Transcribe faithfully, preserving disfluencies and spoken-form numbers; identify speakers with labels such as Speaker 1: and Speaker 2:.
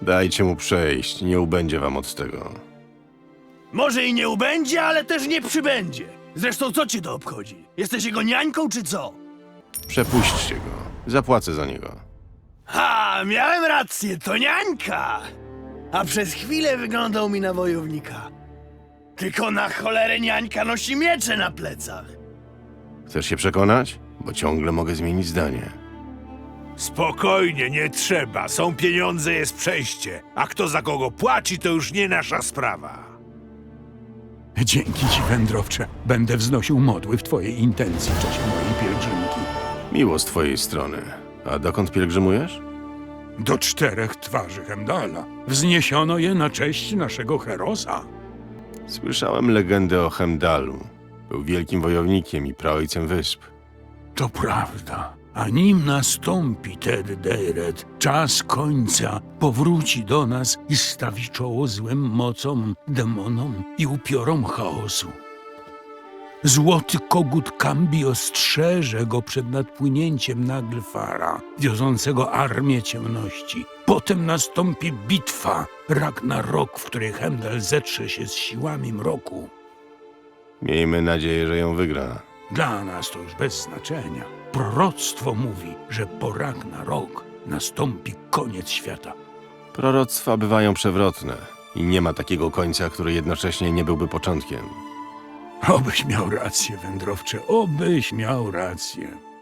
Speaker 1: Dajcie mu przejść, nie ubędzie wam od tego.
Speaker 2: Może i nie ubędzie, ale też nie przybędzie. Zresztą co cię to obchodzi? Jesteś jego niańką czy co?
Speaker 1: Przepuśćcie go. Zapłacę za niego.
Speaker 2: Ha, miałem rację, to niańka! A przez chwilę wyglądał mi na wojownika. Tylko na cholerę niańka nosi miecze na plecach.
Speaker 1: Chcesz się przekonać? Bo ciągle mogę zmienić zdanie.
Speaker 3: Spokojnie, nie trzeba. Są pieniądze, jest przejście. A kto za kogo płaci, to już nie nasza sprawa.
Speaker 4: Dzięki ci, wędrowcze. Będę wznosił modły w twojej intencji w czasie mojej pielgrzymki.
Speaker 1: Miło z twojej strony. A dokąd pielgrzymujesz?
Speaker 4: Do czterech twarzy Hemdala. Wzniesiono je na cześć naszego Herosa.
Speaker 1: Słyszałem legendę o Hemdalu. Był wielkim wojownikiem i praojcem wysp.
Speaker 4: To prawda. A nim nastąpi Ted Deired, czas końca powróci do nas i stawi czoło złym mocom, demonom i upiorom chaosu. Złoty kogut Kambi ostrzeże go przed nadpłynięciem Naglfara, wiozącego armię ciemności. Potem nastąpi bitwa, Ragnarok, w której Heimdall zetrze się z siłami mroku.
Speaker 1: Miejmy nadzieję, że ją wygra.
Speaker 4: Dla nas to już bez znaczenia. Proroctwo mówi, że po Ragnarok nastąpi koniec świata.
Speaker 1: Proroctwa bywają przewrotne i nie ma takiego końca, który jednocześnie nie byłby początkiem.
Speaker 4: Obyś miał rację, wędrowcze, obyś miał rację.